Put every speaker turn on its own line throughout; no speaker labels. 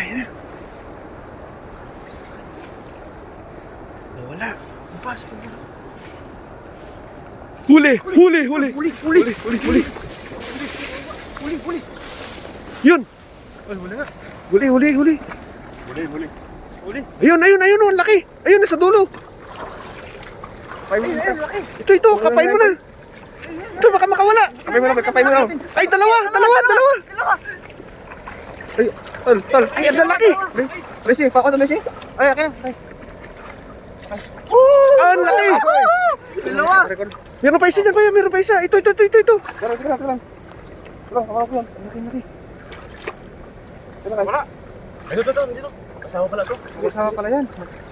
Ayun. Wala. Bukas. Huli! Huli! Huli!
Huli!
Huli! Huli! Huli!
Huli!
Yun!
Ay, huli nga.
Huli! Huli! Huli!
Huli!
Ayun! Ayun! Ayun! Ang laki! Ayun! Nasa dulo!
Kapay mo na. Laki!
Ito! Kapay mo na! Ito! Baka makawala!
Kapay mo na, kapay mo na.
Ay! Dalawa! Dalawa! Ay! Tol! Ay! Ang lalaki!
Messi, pako to Messi. Ay, akin na. Ay.
Ang laki!
Dalawa.
Meron pa isa dyan, kuya! Meron pa isa! Ito!
Tara. Hawak yan. Laki. Wala.
Ay, dito. Kasama pala to.
Kasama pala yan.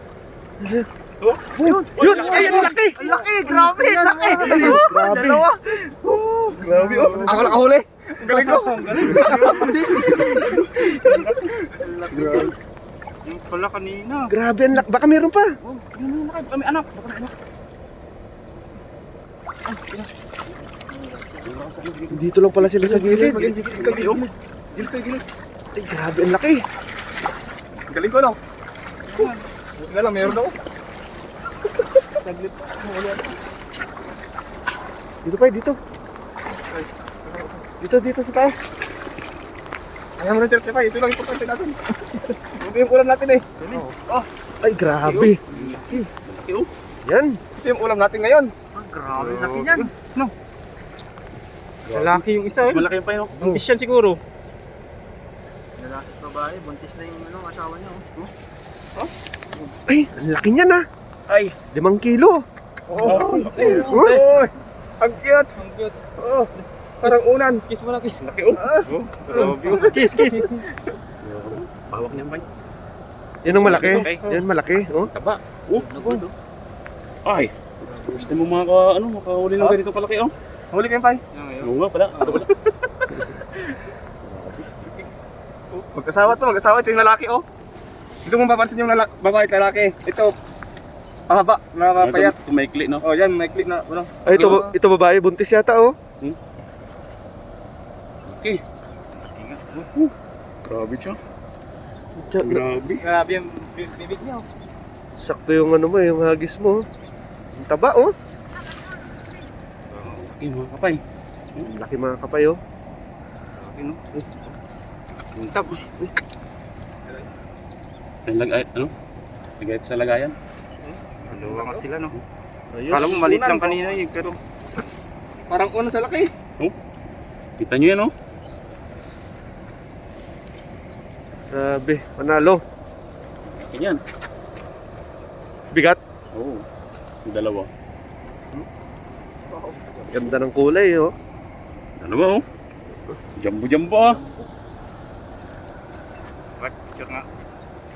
Yun! Ay! Ang laki!
Ang laki, grabe, laki.
Grabe!
Dalawa.
Grabe! Oh!
Ako nakahuli. Ang galing ko.
Yung pala kanina.
Grabe! Ang laki! Baka meron pa!
Oh, yun na kami anak. Baka may anak.
Dito lang pala sila sa gilid.
Gilid.
Ay! Grabe! Ang laki!
Ang galing ko, no? Buti na lang, meron ako.
Dito pa! Dito! Dito sa taas!
Ayaw mo ng 35, ito lang importante natin. Ito yung ulam natin eh.
Ay! Grabe! Yan!
Ito yung ulam natin ngayon.
Grabe, laki niyan. No. Lalaki yung isa. Mas malaki yung payo. Buntis yan siguro.
Lalaki babae, buntis na yung asawa niya.
Ay! Ang laki niyan ah!
Ay!
5 kilo!
Oh!
Uy!
Ang cute! Oh! Parang unan. Kiss mo na, kiss. Laki oh!
Kiss. Pawak niyan pa.
Yan ang malaki. Yan malaki. Oh.
Taba. Nagulo. Ay. Gusto mo makahuli ng ganito palaki oh.
Huli kayo, Pai.
Oo nga pala.
Mag-asawa ito yung lalaki oh. Dito mo papansin yung babae at lalaki. Ito, pahaba, napapayat.
Tumaikli no.
Oh, yan, may click na. Ano?
Ay, ito babae. Buntis yata oh.
Okay. Grabe siya. Grabe.
Grabe yung bibig niya oh.
Sakto yung ano mo, yung hagis mo. Ang taba oh.
Okay mga kapay.
Ang laki mga kapay oh.
Okay no. Yung tab. Lagay sa lagayan. Dalawa nga sila no.
Ayos.
Kala mo maliit lang kanina eh, pero
Parang unan sa laki.
kita nyo yan no.
Grabe. Panalo.
Ganyan.
Bigat.
Oo. Yung dalawa.
Ganda ng kulay oh.
Dalawa oh. Jumbo ah.